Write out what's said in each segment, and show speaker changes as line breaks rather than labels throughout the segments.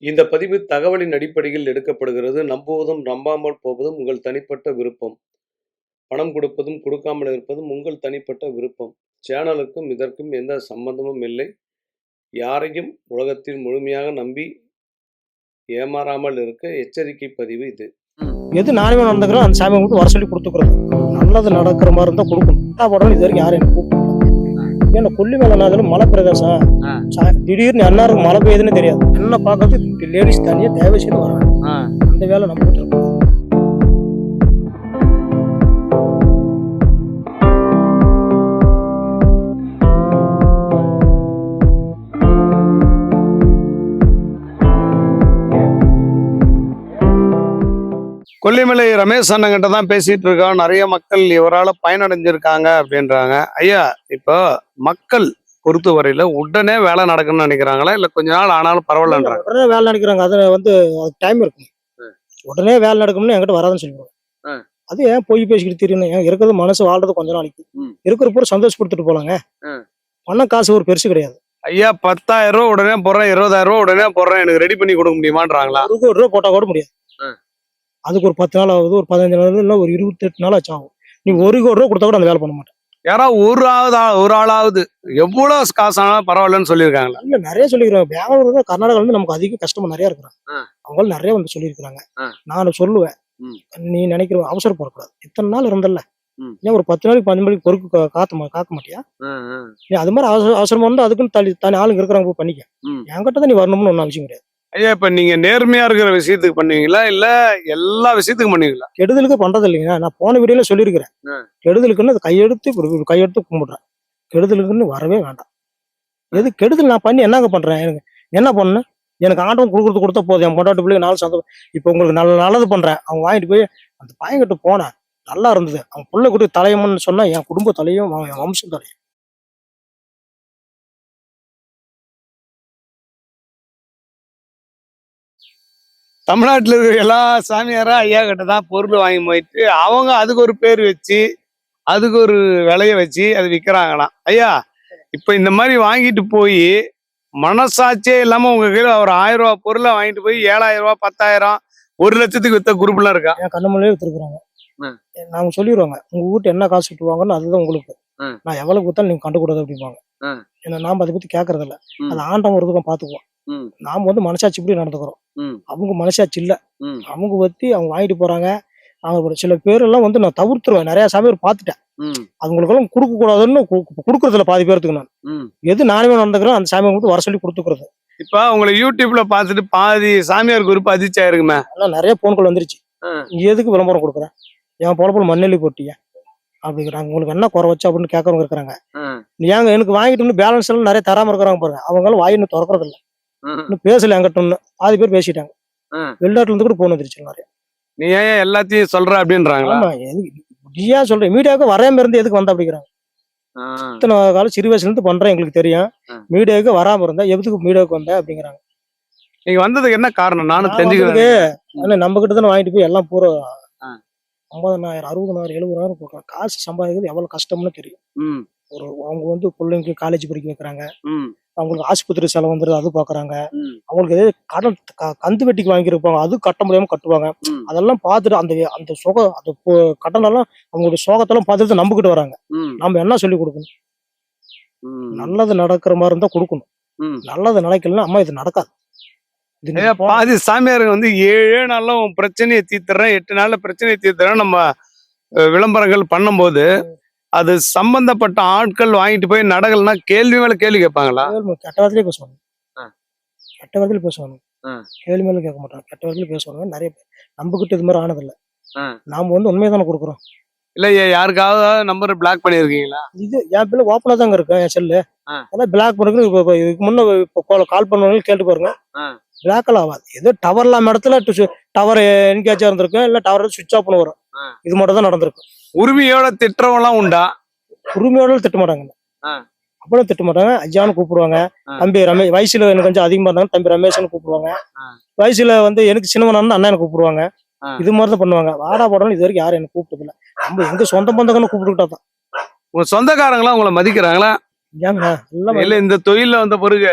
இந்த பதிவு தகவலின் அடிப்படையில் எடுக்கப்படுகிறது. நம்புவதும், நம்பாமல் போவதும் உங்கள் தனிப்பட்ட விருப்பம். பணம் கொடுப்பதும், கொடுக்காமல் இருப்பதும் உங்கள் தனிப்பட்ட விருப்பம். சேனலுக்கும் இதற்கும் எந்த சம்பந்தமும் இல்லை. யாரையும் உலகத்தில் முழுமையாக நம்பி ஏமாறாமல் இருக்க எச்சரிக்கை பதிவு இது.
எது நானே நடந்துக்கிறோம் அந்த சாமியை மட்டும் வர சொல்லி கொடுத்துக்கிறது. நல்லது நடக்கிற மாதிரி இருந்தால் கொடுக்கணும். போடணும் இது வரைக்கும் யாரும் எனக்கு கூப்பிடல. ஏன்னா கொல்லி மேலே நான் மலை பிரதேசம் திடீர்னு எல்லாருக்கும் மழை பெய்யுதுன்னு தெரியாது. என்ன பார்க்கறது லேடிஸ் தனியாக தேவைன்னு வராங்க. அந்த வேலை நம்ம கிட்ட இருக்கோம்.
கொல்லிமலை ரமேஷ் அண்ணங்கிட்ட தான் பேசிட்டு இருக்கோம். நிறைய மக்கள் இவரால் பயனடைஞ்சிருக்காங்க அப்படின்றாங்க. ஐயா, இப்போ மக்கள் பொறுத்த வரையில உடனே வேலை நடக்கணும்னு நினைக்கிறாங்களா, இல்ல கொஞ்ச நாள் ஆனாலும் பரவாயில்லன்றாங்க?
உடனே வேலை நடக்கிறாங்க. அது அதுக்கு டைம் இருக்கும். உடனே வேலை நடக்கணும்னு என்கிட்ட வராதுன்னு சொல்லிடுவாங்க. அது ஏன் போய் பேசிக்கிட்டு தெரியணும்? ஏன் இருக்கிறது மனசு வாழ்றது கொஞ்ச நாளைக்கு இருக்கிற பூரா சந்தோஷப்படுத்திட்டு போலாங்க. பணம் காசு ஒரு பெருசு கிடையாது.
ஐயா, 10,000 ரூபா உடனே போடுறேன், 20,000 ரூபா உடனே போடுறேன், எனக்கு ரெடி பண்ணி கொடுக்க முடியுமான்றாங்களா?
ஒரு ரூபா போட்டா கூட முடியாது. அதுக்கு ஒரு 10 நாள் ஆகுது, ஒரு 15 நாள் இல்லை, ஒரு 28 நாள் ஆச்சு ஆகும். நீ ஒரு கோடி ரூபா கொடுத்தா கூட அந்த வேலை பண்ண மாட்டேன்.
யாராவது ஒரு ஆளாவது எவ்வளவு காசு ஆனாலும் பரவாயில்லன்னு சொல்லியிருக்காங்களா?
இல்ல, நிறைய சொல்லிக்கிறாங்க. பெங்களூர் கர்நாடகா வந்து நமக்கு அதிக கஸ்டமர் நிறைய இருக்கிறாங்க. அவங்க நிறைய வந்து சொல்லியிருக்கிறாங்க. நான் சொல்லுவேன், நீ நினைக்கிற அவசரப்படக்கூடாது. இத்தனை நாள் இருந்தல்ல, ஏன் ஒரு 10 நாளைக்கு 15 நாளைக்கு பொறுப்பு காக்க மாட்டியா? நீ அது மாதிரி அவசரமா வந்து அதுக்குன்னு தனி ஆளுங்க இருக்கிறாங்க, பண்ணிக்க. என்கிட்ட தான் நீ வரணும்னு ஒன்றும் அவசியம் கிடையாது.
ஐயா, இப்ப நீங்க நேர்மையா இருக்கிற விஷயத்துக்கு பண்ணுவீங்களா, இல்ல எல்லா விஷயத்துக்கும் பண்ணுவீங்களா?
கெடுதலுக்கு பண்றது இல்லைங்க. நான் போன வீடியோல சொல்லியிருக்கிறேன். கெடுதலுக்குன்னு கையெடுத்து கும்பிடுறேன். கெடுதலுக்குன்னு வரவே வேண்டாம். எது கெடுதல் நான் பண்ணி என்னங்க பண்றேன்? எனக்கு என்ன பண்ணேன்? எனக்கு ஆண்டவன் கொடுத்தா போதும். என் பொண்டாட்டு பிள்ளைங்க நாலு சந்தோஷம். இப்போ உங்களுக்கு நல்லது பண்றேன். அவங்க வாங்கிட்டு போய் அந்த பையன்கிட்ட போனேன், நல்லா இருந்தது. அவங்க பிள்ளை கூட தலையம்னு சொன்னா என் குடும்ப தலையும் என் வம்சம் தலையும்.
தமிழ்நாட்டில் இருக்கிற எல்லா சாமியாரும் ஐயா கிட்ட தான் பொருள் வாங்கி போயிட்டு அவங்க அதுக்கு ஒரு பேர் வச்சு அதுக்கு ஒரு விலைய வச்சு அது விற்கிறாங்களாம். ஐயா, இப்போ இந்த மாதிரி வாங்கிட்டு போய் மனசாட்சியே இல்லாம உங்க கையில ஒரு 1000 ரூபா பொருளை வாங்கிட்டு போய் 7,000 ரூபா 10,000 1 லட்சத்துக்கு வித்த குரூப்லாம் இருக்கா?
என் கண்ணு முன்னாடியே வித்துருக்குறாங்க. நாங்க சொல்லிடுவாங்க, உங்க வீட்டு என்ன காசு விட்டுவாங்கன்னு அதுதான் உங்களுக்கு. நான் எவ்வளவு கொடுத்தாலும் நீங்க கண்டுக்கூடாது அப்படிம்பாங்க. ஏன்னா நாம அதை பத்தி கேட்கறது இல்ல. அது ஆண்டவன் ஒரு இதுக்கும் பாத்துக்குவோம். நாம வந்து மனசாட்சி இப்படி நடந்துக்கிறோம். அவங்க மனசாட்சி இல்ல. அவங்க பத்தி அவங்க வாங்கிட்டு போறாங்க. அவங்க சில பேர் எல்லாம் வந்து நான் தவிர்த்துருவேன். நிறைய சாமியார் பார்த்துட்டேன். அவங்களுக்கெல்லாம் கொடுக்க கூடாதுன்னு கொடுக்கறதுல பாதி பேருக்கு நான் எது நானே நடந்துக்கிறோம் அந்த சாமியை மட்டும் வர சொல்லி கொடுத்துக்கிறது.
இப்ப உங்களை யூடியூப்ல பாத்துட்டு பாதி சாமியார் குரூப் அதிர்ச்சியா இருக்குமே.
அதெல்லாம் நிறைய போன்கள் வந்துருச்சு. நீ எதுக்கு விளம்பரம் கொடுக்குறேன்? என் பொழப்புல மண்ணெல்லி போட்டிய அப்படிங்கிறாங்க. உங்களுக்கு என்ன குறை வச்சு அப்படின்னு கேட்கறவங்க இருக்கிறாங்க. நீ ஏங்க எனக்கு வாங்கிட்டு பேலன்ஸ் எல்லாம் நிறைய தராம இருக்கிறாங்க பாருங்க. அவங்களும் வாய் இன்னும் திறக்கறது இல்லை. இன்னும் பேசல என்கிட்ட. பாதி பேர் பேசிட்டாங்க. வெளிநாட்டுல இருந்து கூட போன் வந்துருச்சு நிறைய.
நீ ஏன் எல்லாத்தையும் சொல்ற அப்படின்றாங்களா?
ஆமா, நீ ஏன் சொல்றேன்? மீடியாவுக்கு வராம இருந்து எதுக்கு வந்த அப்படிங்கிறாங்க. இத்தனை காலம் சிறு வயசுல இருந்து பண்றேன், எங்களுக்கு தெரியும். மீடியாவுக்கு வராம இருந்தா எதுக்கு மீடியாவுக்கு வந்த அப்படிங்கிறாங்க.
நீங்க வந்ததுக்கு என்ன காரணம்? நானும் தெரிஞ்சுக்கிறேன்.
நம்ம கிட்ட தானே வாங்கிட்டு போய் எல்லாம் பூரா 50,000 60,000 70,000 போடுறாங்க. காசு சம்பாதிக்கிறது எவ்வளவு கஷ்டம்னு தெரியும். ஒரு அவங்க வந்து பிள்ளைங்களுக்கு காலேஜ் படிக்க வைக்கிறாங்க. அவங்களுக்கு ஆஸ்பத்திரி செலவு வந்துருது, அது பாக்குறாங்க. அவங்களுக்கு எதாவது கடன் கந்து வெட்டிக்கு வாங்கியிருப்பாங்க, அது கட்ட முடியாம கட்டுவாங்க. அதெல்லாம் பார்த்துட்டு அந்த அந்த கடன் எல்லாம் அவங்களுடைய சோகத்தெல்லாம் பார்த்துட்டு நம்பிக்கிட்டு வராங்க. நம்ம என்ன சொல்லி கொடுக்கணும்? நல்லது நடக்கிற மாதிரி இருந்தா கொடுக்கணும். நல்லது நடக்கலன்னா அம்மா இது நடக்காது.
பாதி சாமியாருங்க வந்து 7 நாள்ல உன் பிரச்சனையை தீர்த்துறேன், 8 நாள்ல பிரச்சனையை தீர்த்துறேன் நம்ம விளம்பரங்கள் பண்ணும்போது அது சம்பந்தப்பட்ட ஆட்கள் வாங்கிட்டு போய் நடக்கலன்னா கேள்வி மேல கேள்வி கேட்பாங்களா?
கெட்ட வார்த்தையிலே பேசுவாங்க. கெட்ட வார்த்தையில பேசுவாங்க. கேள்வி மேல கேட்க மாட்டாங்க. கெட்ட வார்த்தையில பேசுவாங்க. நிறைய பேர் நம்பிக்கிட்டு இது மாதிரி ஆனதில்லை. நாம வந்து உண்மையை தானே கொடுக்குறோம்.
இல்ல, யாருக்காவது நம்பர் பிளாக் பண்ணிருக்கீங்களா?
இது என் பிள்ளை ஓப்பனா தாங்க இருக்கு என் செல்லு. அதான் பிளாக் பண்ணுறது. இதுக்கு முன்ன கால் பண்ணுவாங்க, கேட்டு பாருங்க. பிளாக்கெல்லாம் ஆகாது. ஏதோ டவர் இல்லாம இடத்துல டவர் என்கேஜா இருந்திருக்கு, இல்ல டவர் சுவிட்ச் ஆஃப் பண்ண வரும். இது மட்டும் தான் நடந்திருக்கு.
உரிமையோட திட்டவெல்லாம் உண்டா?
உரிமையோட திட்ட மாட்டாங்க. அப்பெல்லாம் திட்ட மாட்டாங்க. ஐயான்னு கூப்பிடுவாங்க. தம்பி ரமேஷ், வயசுல எனக்கு கொஞ்சம் அதிகமா இருந்தாங்க, தம்பி ரமேஷ்னு கூப்பிடுவாங்க. வயசுல வந்து எனக்கு சின்னவனா அண்ணன் கூப்பிடுவாங்க. இது மாதிரிதான் பண்ணுவாங்க. வாடா போடணும் இது வரைக்கும் யாரும் எனக்கு கூப்பிட்டது இல்லை. நம்ம எங்க சொந்த பந்தங்கன்னு கூப்பிட்டுக்கிட்டா தான்.
உங்க சொந்தக்காரங்களா உங்களை மதிக்கிறாங்களா?
ஏங்க எல்லாம்
இல்ல இந்த தொழில வந்த பிறகு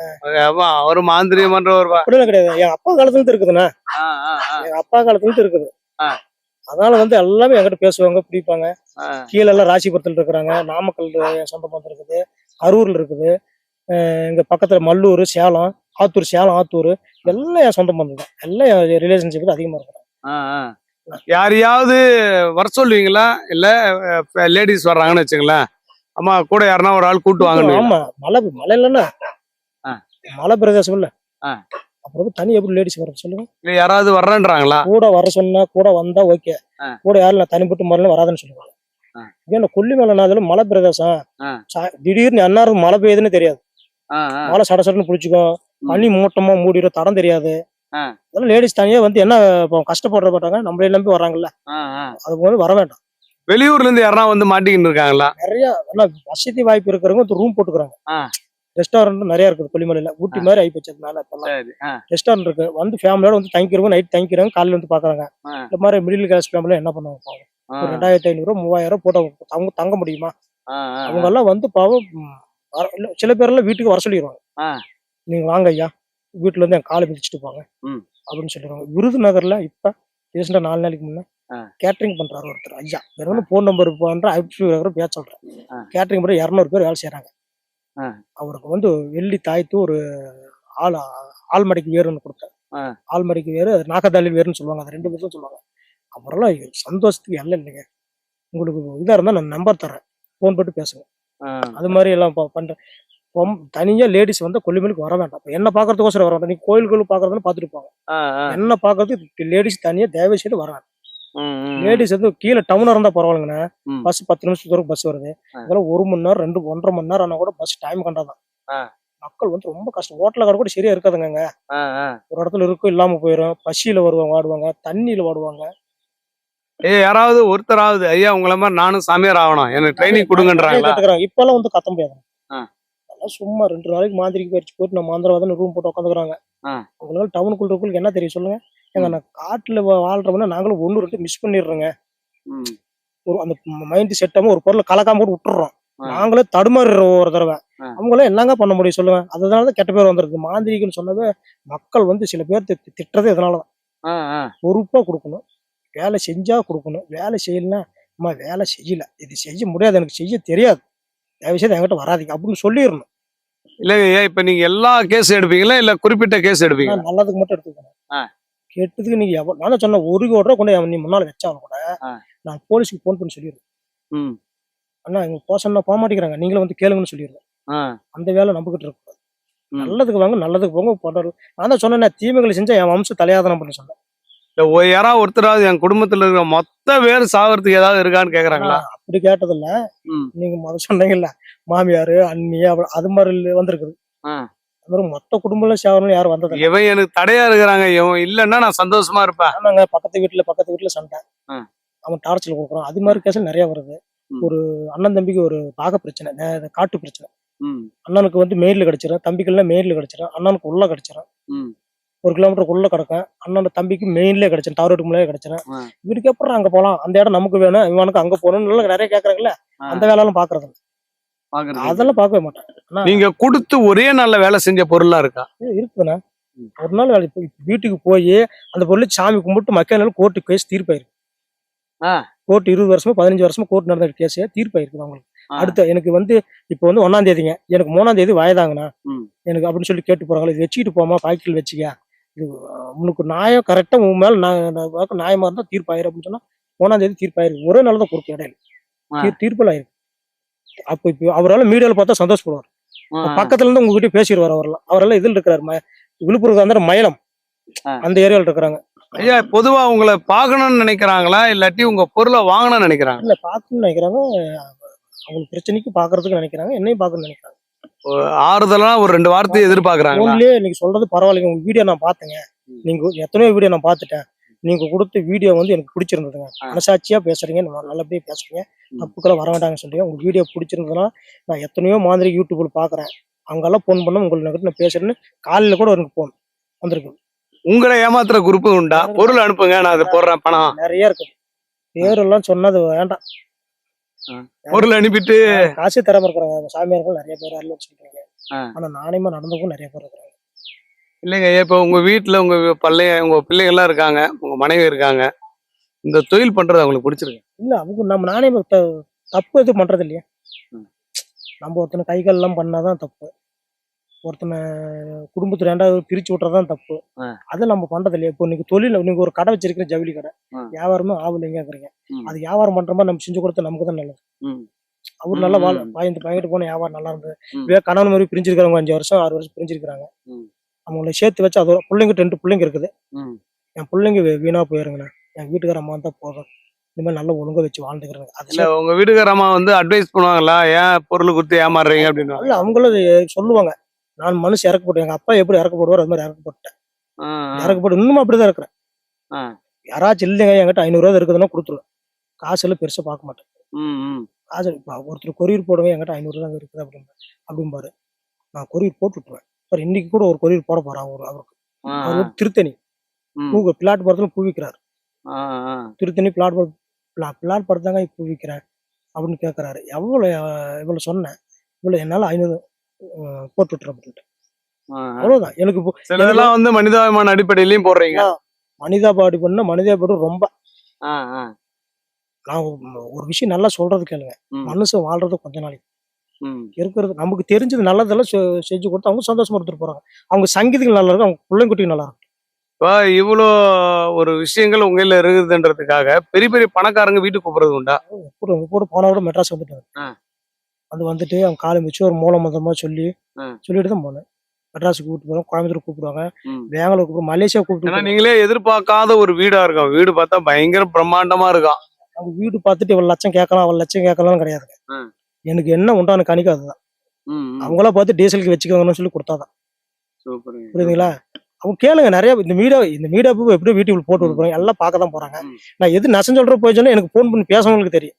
ஒரு மாந்திரியம் பண்ற ஒரு
அப்படிலாம் கிடையாது. என் அப்பா காலத்துல இருந்து இருக்குதுண்ணா. எங்க அப்பா காலத்துல இருந்து இருக்குது.
ஆ.
அதனால வந்து எல்லாமே என்கிட்ட பேசுவாங்க, பிடிப்பாங்க.
ஆ.
கீழ எல்லாம் ராசிபுரத்துல இருக்கிறாங்க. நாமக்கல் என் சொந்த பந்தம் இருக்குது. அரூர்ல இருக்குது. எங்க பக்கத்துல மல்லூர், சேலம், ஆத்தூர், சேலம், ஆத்தூர் எல்லாம் என் சொந்த பந்தம் தான். எல்லாம் என் ரிலேஷன்ஷிப் அதிகமா இருக்கிறாங்க.
யாரையாவது வர சொல்லுவீங்களா இல்ல லேடிஸ் வர்றாங்கன்னு வச்சுங்களேன், அம்மா கூட யாருன்னா ஒரு ஆள் கூட்டு வாங்க.
ஆமா, மலை இல்லைன்னா
ஆ.
மலை பிரதேசம் இல்ல.
ஆ.
அப்புறம் தனி எப்படி லேடிஸ் வர சொல்லுங்க.
இல்ல யாராவது வர்றேன்றாங்களா?
கூட வர சொன்னா கூட வந்தா ஓகே.
ஆ.
கூட யாரும் நான் தனிப்பட்டு முறையில வராதுன்னு சொல்லுவாங்க. ஏன்னா கொல்லிமலைனாலும் மலை பிரதேசம். திடீர்னு அன்னாரும் மழை பெய்யுதுன்னு தெரியாது. மழை சட சடன்னு பிடிச்சிக்கும். பனி மூட்டமா மூடிடும், தடம் தெரியாது. அதெல்லாம் லேடிஸ் தனியா வந்து என்ன கஷ்டப்படுற மாட்டாங்க, நம்மளே நம்பி வர்றாங்கல்ல, அது வந்து வர வேண்டாம்.
வெளியூர்ல இருந்து யாரா வந்து மாட்டிக்கிட்டு இருக்காங்களா?
நிறைய வசதி வாய்ப்பு இருக்கிறவங்க வந்து ரூம் போட்டுக்கிறாங்க. ரெஸ்டாரண்ட் நிறைய இருக்குது கொல்லிமலையில. ஊட்டி மாதிரி ஆகி போச்சதுனால ரெஸ்டாரண்ட் இருக்கு. வந்து ஃபேமிலியோட வந்து தங்கிக்கிறவங்க நைட் தங்கிக்கிறாங்க, காலையில வந்து பாக்குறாங்க. இந்த மாதிரி மிடில் கிளாஸ் ஃபேமிலி என்ன பண்ணுவாங்க? ஒரு 2500 3000 போட்டு அவங்க தங்க முடியுமா? அவங்க எல்லாம் வந்து பாவம் சில பேரெல்லாம் வீட்டுக்கு வர சொல்லிடுவாங்க. நீங்க வாங்க ஐயா, வீட்டுல இருந்து என் காலை மிதிச்சுட்டு போங்க அப்படின்னு சொல்லிடுவாங்க. விருதுநகர்ல இப்ப ரீசெண்டா 4 நாளைக்கு முன்ன கேட்டரிங் பண்றாரு ஒருத்தர் ஐயா. வெறும் போன் நம்பர் பேச சொல்றேன். கேட்டரிங் பண்ண 200 பேர் வேலை செய்யறாங்க. அவருக்கு வந்து வெள்ளி தாய்த்து ஒரு ஆள்மடிக்கு வேறுன்னு கொடுத்தாரு. ஆள்மடிக்கு வேறு, நாகதாளி வேறுன்னு சொல்லுவாங்க. அது 2 பேரும் சொல்லுவாங்க. அப்புறம்லாம் சந்தோஷத்துக்கு எல்லாம் இல்லைங்க. உங்களுக்கு இதா இருந்தா நான் நம்பர் தர்றேன், போன் போட்டு பேசுங்க. அது மாதிரி எல்லாம் பண்றேன். தனியா லேடிஸ் வந்து கொல்லிமலைக்கு வர வேண்டாம். என்ன பாக்குறதுக்கோசரம் வர வேண்டாம். நீங்க கோயில்களும் பாக்குறதுன்னு பாத்துட்டு போங்க. என்ன பாக்குறதுக்கு லேடிஸ் தனியா தயவு செய்து வர வேண்டாம். லேடிஸ் வந்து கீழே டவுனா இருந்தா பரவாயில்லைங்கண்ணா. பஸ் 10 நிமிஷத்துக்கு தூரம் பஸ் வருது. அதெல்லாம் 1 மணி நேரம் 1.5 மணி நேரம் ஆனா கூட பஸ் டைம் கண்டாதான். மக்கள் வந்து ரொம்ப கஷ்டம். ஹோட்டல கடை கூட சரியா இருக்காதுங்க. ஒரு இடத்துல இருக்கும், இல்லாம போயிடும். பசியில வருவாங்க, வாடுவாங்க, தண்ணியில வாடுவாங்க.
யாராவது ஒருத்தராவது ஐயா உங்களை மாதிரி நானும் சாமியார் ஆகணும், எனக்கு ட்ரைனிங் கொடுங்கன்றாங்க.
இப்பெல்லாம் வந்து கத்த முடியாது. சும்மா 2 நாளைக்கு மாந்திரிக்கு பயிற்சி போட்டு நம்ம மாந்திரவாதம் ரூம் போட்டு உட்காந்துக்கிறாங்க. உங்களுக்கு டவுனுக்குள்ள என்ன தெரியும் சொல்லுங்க? ஏங்க நான் காட்டுல வாழ்றோம்னா நாங்களும் 1 2 மிஸ் பண்ணிடுறோங்க. ஒரு அந்த மைண்ட் செட் ஆகாம ஒரு பொருளை கலக்காம கூட விட்டுறோம். நாங்களே தடுமாறுறோம் ஒரு தடவை. அவங்களே என்னங்க பண்ண முடியும் சொல்லுங்க? அதனாலதான் கெட்ட பேர் வந்துருக்கு. மாந்திரிகன்னு சொன்னவே மக்கள் வந்து சில பேர் திட்டுறது இதனாலதான். பொறுப்பா கொடுக்கணும், வேலை செஞ்சா கொடுக்கணும். வேலை செய்யலன்னா அம்மா வேலை செய்யல, இது செய்ய முடியாது, எனக்கு செய்ய தெரியாது, தயவுசெய்து என்கிட்ட வராதிங்க அப்படின்னு சொல்லிடணும்.
இல்லைங்க, இப்ப நீங்க எல்லா கேஸ் எடுப்பீங்களா இல்ல குறிப்பிட்ட கேஸ் எடுப்பீங்க?
நல்லதுக்கு மட்டும் எடுத்துக்கணும். கெட்டதுக்கு நீங்க நான் தான் சொன்ன 1 கோடி ரூபா கொண்டு நீ முன்னால வச்சாலும் கூட நான் போலீஸுக்கு போன் பண்ணி சொல்லிடுவேன். அண்ணா இங்க போசன்னா போக மாட்டேங்கிறாங்க, நீங்களும் வந்து கேளுங்கன்னு சொல்லிடுவேன். அந்த வேலை நம்பிக்கிட்டு இருக்கக்கூடாது. நல்லதுக்கு வாங்க, நல்லதுக்கு போங்க போட்டாரு. நான் தான் சொன்னேன், தீமைகளை செஞ்சா என் வம்சம் தலையாதனம் பண்ணி சொன்னேன்.
யாராவது ஒருத்தராவது என் குடும்பத்துல இருக்கிற மொத்த பேர் சாகிறதுக்கு ஏதாவது இருக்கான்னு கேக்குறாங்களா?
அப்படி கேட்டதில்ல. நீங்க முத சொன்னீங்கல்ல மாமியாரு அண்ணி அது மாதிரி வந்திருக்குது. மொத்த குடும்பம் சேவரம் யாரும் வந்தது.
இவன் எனக்கு தடையா இருக்கிறாங்க, இவன் இல்லன்னா நான் சந்தோஷமா இருப்பேன்.
ஆமாங்க, பக்கத்து வீட்டுல சண்டை, அவன் டார்ச்சல் கொடுக்குறான். அது மாதிரி கேஸ் நிறைய வருது. ஒரு அண்ணன் தம்பிக்கு ஒரு பாக பிரச்சனை, காட்டு பிரச்சனை. அண்ணனுக்கு வந்து மெயின்ல கிடைச்சிடும், தம்பிக்குள்ள மெயின்ல கிடைச்சிடும், அண்ணனுக்கு உள்ள கிடைச்சிடும். 1 கிலோமீட்டருக்கு உள்ள கிடக்கும். அண்ணன் தம்பிக்கு மெயின்லயே கிடைச்சிடும், டவர் முன்னாலே கிடைச்சிடும். இவருக்கு அப்புறம் அங்க போலாம், அந்த இடம் நமக்கு வேணும், இவனுக்கு அங்க போகணும்னு நிறைய கேக்குறாங்கல்ல. அந்த வேலையெல்லாம் பாக்குறது அதெல்லாம் பார்க்கவே மாட்டேன்.
நீங்க கொடுத்து ஒரே நாள்ல வேலை செஞ்ச பொருளா இருக்கா?
இருக்குதுண்ணா. ஒரு நாள் வேலை வீட்டுக்கு போய் அந்த பொருள் சாமி கும்பிட்டு மக்கள் கோர்ட்டு கேஸ் தீர்ப்பாயிருக்கு. கோர்ட் 20 வருஷமா 15 வருஷமா கோர்ட் நடந்த கேஸ் தீர்ப்பாயிருக்கு அவங்களுக்கு. அடுத்த எனக்கு வந்து இப்ப வந்து 1ஆம் தேதிங்க, எனக்கு 3ஆம் தேதி வயதாங்கண்ணா எனக்கு அப்படின்னு சொல்லி கேட்டு போறாங்களே, இது வச்சுக்கிட்டு போமா, பாக்கெட்டில் வச்சுக்க, இது உனக்கு நியாயம் கரெக்டா உன் மேல நியாயமா இருந்தா தீர்ப்பாயிரு அப்படின்னு சொன்னா 3ஆம் தேதி தீர்ப்பாயிருக்கு. ஒரே நாள் தான் கொடுக்கும் இடையில தீர்ப்புல ஆயிருக்கு. அப்ப இப்ப அவரால் மீடியாவில் பார்த்தா சந்தோஷப்படுவார். பக்கத்துல இருந்து உங்ககிட்ட பேசிடுவார். அவரெல்லாம் இதுல இருக்கிறாரு, விழுப்புரம் அந்த மயிலம் அந்த ஏரியாவில் இருக்கிறாங்க.
ஐயா பொதுவா உங்களை பார்க்கணும்னு நினைக்கிறாங்களா இல்லாட்டி உங்க பொருளை வாங்கணும்னு நினைக்கிறாங்க?
இல்ல பார்க்கணும்னு நினைக்கிறாங்க, அவங்களுக்கு பிரச்சனைக்கு பாக்குறதுக்கு நினைக்கிறாங்க, என்னையும் பார்க்கணும்னு நினைக்கிறாங்க.
ஆறுதலா ஒரு 2 வார்த்தை எதிர்பார்க்கறாங்க.
நீங்க சொல்றது பரவாயில்லைங்க, உங்க வீடியோ நான் பார்த்தேங்க, நீங்க எத்தனையோ வீடியோ நான் பார்த்துட்டேன், நீங்க கொடுத்த வீடியோ வந்து எனக்கு பிடிச்சிருந்ததுங்க, மனசாட்சியா பேசுறீங்க, நல்லபடியா பேசுறீங்க, தப்புக்களை வர வேண்டாங்கன்னு சொல்றீங்க. உங்க வீடியோ பிடிச்சிருந்ததுன்னா நான் எத்தனையோ மாதிரி யூடியூப்ல பாக்குறேன், அங்கெல்லாம் போன் பண்ண உங்களுக்கு நான் பேசுறேன்னு காலையில கூட எனக்கு போன் வந்திருக்கு.
உங்களை ஏமாத்துற குரூப் உண்டா? பொருள் அனுப்புங்க, நான் அதை போடுறேன், பணம்
நிறைய இருக்கு. பேரெல்லாம் சொன்னது வேண்டாம்.
பொருள் அனுப்பிட்டு
காசே தராம இருக்கிறாங்க சாமியார்கள் நிறைய பேர் அருள் சொல்றீங்க.
ஆ.
ஆனா நாணயமா நடந்தவங்க நிறைய பேர் இருக்கிறாங்க.
இல்லைங்க ஐயா, இப்போ உங்க வீட்டுல உங்க உங்க பிள்ளைகள்லாம் இருக்காங்க, உங்க மனைவி இருக்காங்க, இந்த தொழில் பண்றது அவங்களுக்கு பிடிச்சிருக்கு?
இல்ல அவங்க நம்ம நாணயம் தப்பு எதுவும் பண்றது இல்லையா.
ம்.
நம்ம ஒருத்தனை கைகள் எல்லாம் பண்ணாதான் தப்பு. ஒருத்தனை குடும்பத்துல ரெண்டாவது பிரிச்சு விட்டுறதான் தப்பு.
ஆ.
அதை நம்ம பண்றது இல்லையா. இப்போ நீங்க தொழில நீங்க ஒரு கடை வச்சிருக்கிற ஜவுளி கடை,
ஆ.
வியாபாரமே ஆகலைங்கிறீங்க.
ம்.
அது வியாபாரம் பண்ற மாதிரி நம்ம செஞ்சு கொடுத்தா நமக்கு தான் நல்லது.
ம்.
அவர் நல்லா
ம்.
வாங்கிட்டு போன வியாபாரம் நல்லா இருந்தது.
ம்.
இதே கணவன் மாதிரி பிரிஞ்சிருக்கிறவங்க 5 வருஷம் 6 வருஷம் பிரிஞ்சிருக்கிறாங்க.
ம்.
அவங்கள சேர்த்து வச்சு அதோட பிள்ளைங்க 2 பிள்ளைங்க இருக்குது.
ம்.
என் பிள்ளைங்க வீணா போயிருங்கண்ணா, என் வீட்டுக்கார அம்மா தான் போதும், இந்த மாதிரி நல்ல ஒழுங்கா வச்சு வாழ்ந்துக்கிறாங்க.
இல்ல உங்க வீட்டுக்கார அம்மா வந்து அட்வைஸ் பண்ணுவாங்களா, ஏன் பொருள் கொடுத்து ஏமாறுறீங்க அப்படின்னு?
இல்ல அவங்களும் சொல்லுவாங்க, நான் மனுஷன் இறக்கப்பட்டேன், எங்க அப்பா எப்படி இறக்கப்படுவார் அது மாதிரி இறக்கப்பட்டேன். இறக்கப்பட்டு இன்னும் அப்படிதான் இருக்கிறேன். யாராச்சும் இல்லைங்க என்கிட்ட 500 ரூபா இருக்குதுன்னா கொடுத்துருவேன். காசு எல்லாம் பெருசா பார்க்க மாட்டேன். காசு இப்ப ஒருத்தர் கொரியர் போடுவேன், என்கிட்ட 500 தான் இருக்குது அப்படிம்பாரு. நான் கொரியர் போட்டு விட்டுருவேன். அப்புறம் இன்னைக்கு கூட ஒரு கொரியர் போட போறேன் அவருக்கு. அவர் வந்து திருத்தணி பிளாட் படத்துல பூ விற்கிறாரு. திருத்தணி பிளாட் படத்தாங்க பூ விற்கிறேன் அப்படின்னு கேட்கறாரு. இவ்வளவு சொன்னேன், இவ்வளவு என்னால 500 போட்டு விட்டுறேன் அப்படின்ட்டு. அவ்வளவுதான். எனக்கு
சிலதெல்லாம் வந்து மனிதாபிமான அடிப்படையிலயும் போடுறீங்க.
மனிதாபாடி பண்ண மனிதாபாடு ரொம்ப நான் ஒரு விஷயம் நல்லா சொல்றது கேளுங்க. மனுஷன் வாழ்றது கொஞ்ச நாளைக்கு இருக்கிறது. நமக்கு தெரிஞ்சது நல்லதெல்லாம் செஞ்சு கொடுத்து அவங்க சந்தோஷமா எடுத்துட்டு போறாங்க. அவங்க சங்கீதங்கள் நல்லா இருக்கும், அவங்க பிள்ளைங்குட்டியும் நல்லா இருக்கும்.
இப்போ இவ்வளோ ஒரு விஷயங்கள் உங்கள இருக்குதுன்றதுக்காக பெரிய பெரிய பணக்காரங்க வீட்டுக்கு கூப்பிடுறது உண்டா?
கூட போன விட மெட்ராஸ் வந்துட்டாங்க. வந்துட்டு அவங்க காலம் வச்சு ஒரு மூலமந்தமா சொல்லிட்டு தான் போனேன். மெட்ராஸுக்கு கூப்பிட்டு போறோம், கோயம்புத்தூர் கூப்பிடுவாங்க, பெங்களூர் கூப்பிடுவோம், மலேசியா கூப்பிட்டு.
நீங்களே எதிர்பார்க்காத ஒரு வீடா இருக்கும். வீடு பார்த்தா பயங்கர பிரம்மாண்டமா இருக்கும்.
அவங்க வீடு பார்த்துட்டு இவ்வளவு லட்சம் கேட்கலாம் அவ்வளவு லட்சம் கேட்கலாம் கிடையாதுங்க. எனக்கு என்ன உண்டான கணிக்க அதுதான். அவங்களா பார்த்து டீசலுக்கு வச்சுக்கோங்கன்னு சொல்லி கொடுத்தாதான். புரியுதுங்களா? அவங்க கேளுங்க நிறைய. இந்த மீடியா எப்படி வீட்டுக்கு போட்டு விடுறாங்க எல்லாம் பார்க்க தான் போறாங்க. நான் எது நசம் சொல்ற போய் சொன்னா எனக்கு போன் பண்ணி பேசவங்களுக்கு தெரியும்.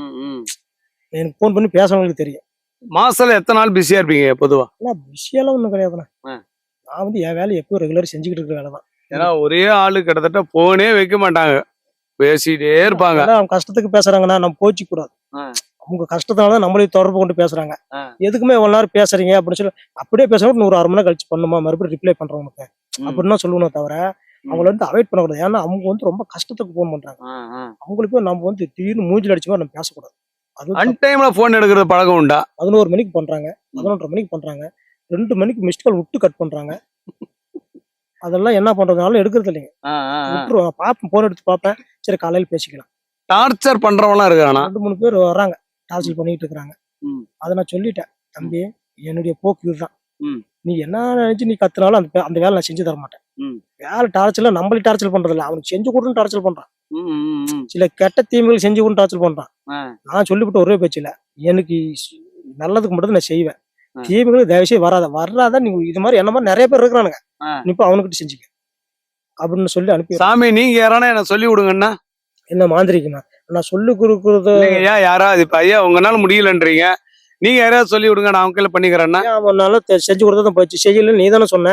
எனக்கு போன் பண்ணி பேசவங்களுக்கு தெரியும்.
மாசத்துல எத்தனை நாள் பிஸியா இருப்பீங்க பொதுவா?
பிஸியெல்லாம் ஒண்ணும் கிடையாதுண்ணா. நான் வந்து என் வேலை எப்பவும் ரெகுலர் செஞ்சுக்கிட்டு இருக்கிற வேலை தான்.
ஏன்னா ஒரே ஆளு கிட்டத்தட்ட போனே வைக்க மாட்டாங்க, பேசிட்டே இருப்பாங்க.
அவங்க கஷ்டத்துக்கு பேசுறாங்கன்னா நம்ம போச்சு கூடாது. அவங்க கஷ்டத்தினால நம்மளையும் தொடர்பு கொண்டு பேசுறாங்க. எதுக்குமே எவ்வளவு நேரம் பேசுறீங்க அப்படின்னு சொல்லி அப்படியே பேசுறவங்க 100 மணி நேரம் கழிச்சு பண்ணுமா மறுபடியும் ரிப்ளை பண்றவங்களுக்கு அப்படின்னு சொல்லணும் தவிர அவங்கள வந்து அவாய்ட் பண்ணக்கூடாது. ஏன்னா அவங்க வந்து ரொம்ப கஷ்டத்துக்கு போன் பண்றாங்க. அவங்களுக்கும் நம்ம வந்து திடீர்னு மூஞ்சில் அடிச்ச மாதிரி நம்ம பேசக்கூடாது. அது
அன்டைம்ல போன் எடுக்கிறது பழக்கம் உண்டா?
11 மணிக்கு பண்றாங்க, 11:30 மணிக்கு பண்றாங்க, 2 மணிக்கு மிஸ்ட் கால் விட்டு கட் பண்றாங்க. அதெல்லாம் என்ன பண்றதுனால எடுக்கிறது இல்லைங்க. விட்டுருவாங்க. பாப்பேன், போன் எடுத்து பார்ப்பேன், சரி காலையில பேசிக்கலாம்.
டார்ச்சர் பண்றவங்களாம் இருக்கானா?
2-3 பேர் வர்றாங்க, டார்ச்சர் பண்ணிட்டு இருக்காங்க. அதை நான் சொல்லிட்டேன், தம்பி என்னுடைய போக்கு இதுதான். நீ என்ன நினைச்சு நீ கத்துனாலும் அந்த வேலை நான் செஞ்சு தர மாட்டேன். வேலை டார்ச்சர்ல நம்மளே டார்ச்சர் பண்றது இல்லை, அவனுக்கு செஞ்சு கொடுன்னு டார்ச்சர் பண்றான். சில கெட்ட தீமைகள் செஞ்சு கொடுன்னு டார்ச்சர் பண்றான். நான் சொல்லிவிட்டு ஒரே பேச்சு இல்ல, எனக்கு நல்லதுக்கு மட்டும் நான் செய்வேன், தீமைகளுக்கு தயவுசெய்து வராத நீ இது மாதிரி என்ன மாதிரி நிறைய பேர் இருக்கிறானுங்க, நீ இப்ப அவனுக்கிட்ட செஞ்சுக்க அப்படின்னு சொல்லி அனுப்பி.
சாமி நீங்க யாரானா என்ன சொல்லி விடுங்கன்னா?
என்ன மாந்திரிக்குண்ணா நான் சொல்லி கொடுக்குறது
யாராவது இப்ப ஐயா உங்களால முடியலன்றீங்க, நீங்க யாராவது சொல்லி விடுங்க, நான் அவங்க பண்ணிக்கிறேன்னா
செஞ்சு கொடுத்தா போச்சு. செய்யல நீ தானே சொன்ன,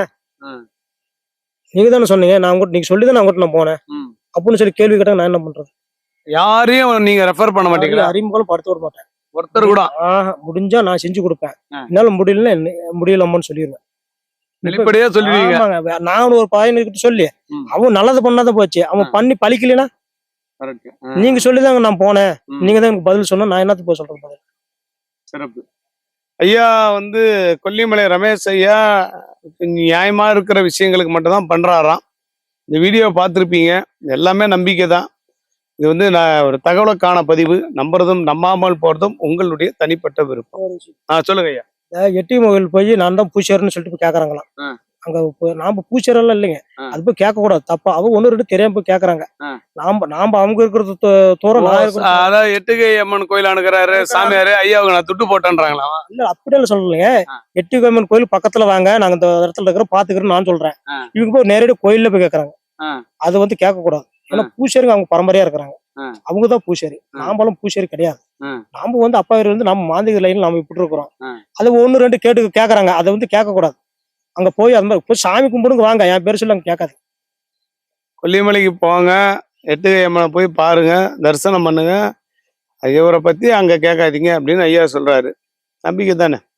நீங்க தானே சொன்னீங்க, நான் உங்ககிட்ட நீங்க சொல்லிதான் நான் நான் போனேன் அப்படின்னு சொல்லி கேள்வி கேட்டா நான் என்ன பண்றது?
யாரையும் நீங்க ரெஃபர் பண்ண மாட்டீங்களா?
அறிமுகம் படுத்த விட மாட்டேன்
ஒருத்தர் கூட.
முடிஞ்சா நான் செஞ்சு கொடுப்பேன், என்னால முடியலம்மான்னு சொல்லிடுவேன்.
வெளிப்படையா சொல்லுவீங்க.
நான் ஒரு பையனுக்கிட்ட சொல்லி அவன் நல்லது பண்ணாதான் போச்சு, அவன் பண்ணி பழிக்கலனா நீங்க சொல்லிதாங்க நான் போனேன், நீங்க தான் எனக்கு பதில் சொன்ன, நான் என்னத்துக்கு போய் சொல்றேன் பதில்.
சிறப்பு. ஐயா வந்து கொல்லிமலை ரமேஷ் ஐயா நியாயமா இருக்கிற விஷயங்களுக்கு மட்டும் தான் பண்றாராம். இந்த வீடியோ பார்த்துருப்பீங்க, எல்லாமே நம்பிக்கை தான். இது வந்து நான் ஒரு தகவலுக்கான பதிவு, நம்புறதும் நம்பாமல் போறதும் உங்களுடைய தனிப்பட்ட விருப்பம். சொல்லுங்க ஐயா.
எட்டி கோவில் போய் நான் தான் பூசாரின்னு சொல்லிட்டு போய் கேக்குறாங்களாம். அங்க நாம பூசாரெல்லாம் இல்லைங்க, அது போய் கேட்க கூடாது, தப்பா. அவங்க 1-2 தெரியாம போய் கேக்குறாங்க. நாம அவங்க இருக்கிறது தூரம்
அதாவது எட்டுகை அம்மன் கோயில் அனுக்கிறாரு சாமியாரு, ஐயா நான் துட்டு போட்டேன்றாங்களா?
இல்ல அப்படியெல்லாம் சொல்லலைங்க. எட்டுகை அம்மன் கோயில் பக்கத்துல வாங்க, நாங்க இந்த இடத்துல இருக்கிற பாத்துக்கிறோம் நான் சொல்றேன். இவங்க போய் நேரடியாக கோயில்ல போய் கேக்குறாங்க. அது வந்து கேட்க கூடாது. ஏன்னா பூசாரிங்க அவங்க பரம்பரையா இருக்கிறாங்க, அவங்கதான் பூசாரி. நாமளும் பூசாரி கிடையாது. நாம வந்து அப்பா இருந்து நம்ம மாந்திக லைன்ல நாம இப்படி இருக்கிறோம். அது 1-2 கேக்குறாங்க, அதை வந்து கேட்க கூடாது. அங்க போய் அது மாதிரி போய் சாமி கும்பிடுங்க வாங்க, என் பேர் சொல்லி அங்க கேட்காது.
கொல்லிமலைக்கு போங்க, எட்டுகை அம்மனை போய் பாருங்க, தரிசனம் பண்ணுங்க. இவரை பத்தி அங்க கேட்காதீங்க அப்படின்னு ஐயா சொல்றாரு. நம்பிக்கை தானே.